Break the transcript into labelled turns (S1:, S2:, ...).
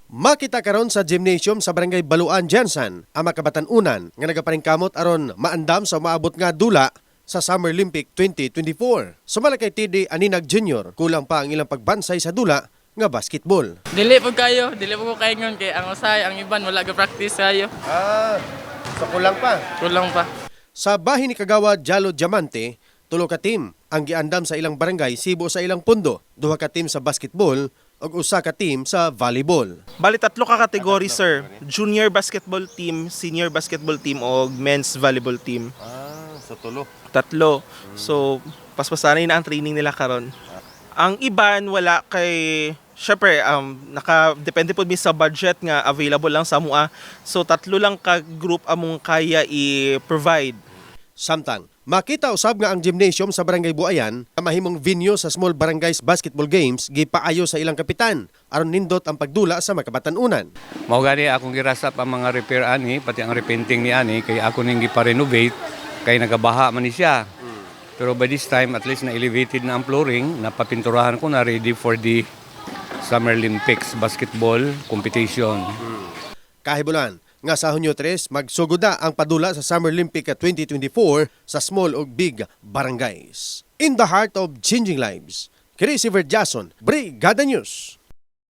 S1: Makita karon sa gymnasium sa Barangay Baluan, Jensen, ang makabatan-unan nga nagaparingkamot aron maandam sa maabot nga dula sa Summer Olympic 2024. Sumala kay TD Aninag Jr., kulang pa ang ilang pagbansay sa dula nga basketball.
S2: Dili po ko kayo ngon kay ang usay, ang iban wala ga practice kayo.
S1: So kulang pa.
S2: Kulang pa.
S1: Sa bahin ni Kagawad Jalo Diamante, tulo ka team ang giandam sa ilang barangay Sibo sa ilang pundo, duha ka team sa basketball ug usa ka team sa volleyball.
S3: Bali tatlo ka kategory, sir. Junior basketball team, senior basketball team o men's volleyball team.
S1: Sa tulo.
S3: Tatlo. So, paspasanay na ang training nila karon. Ang iban wala kay syempre naka-depende po mi sa budget nga available lang sa mua. So tatlo lang ka group among kaya i-provide.
S1: Samtang, makita usab nga ang gymnasium sa Barangay Buayan na mahimong venue sa Small Barangays Basketball Games gipaayo sa ilang kapitan aron nindot ang pagdula sa makabatan-unan.
S4: Mao gani akong girasap ang mga repair ani pati ang repainting ni ani kay ako ning gipa-renovate kay nagabaha man ni siya. Pero by this time at least na elevated na ang flooring, napapinturahan ko na ready for the Summer Olympics basketball competition.
S1: Kahibulan nga sa Hunyo 3 magsugoda ang padula sa Summer Olympic 2024 sa small ug big barangays. In the heart of changing lives, Chris Jason, Brigada News.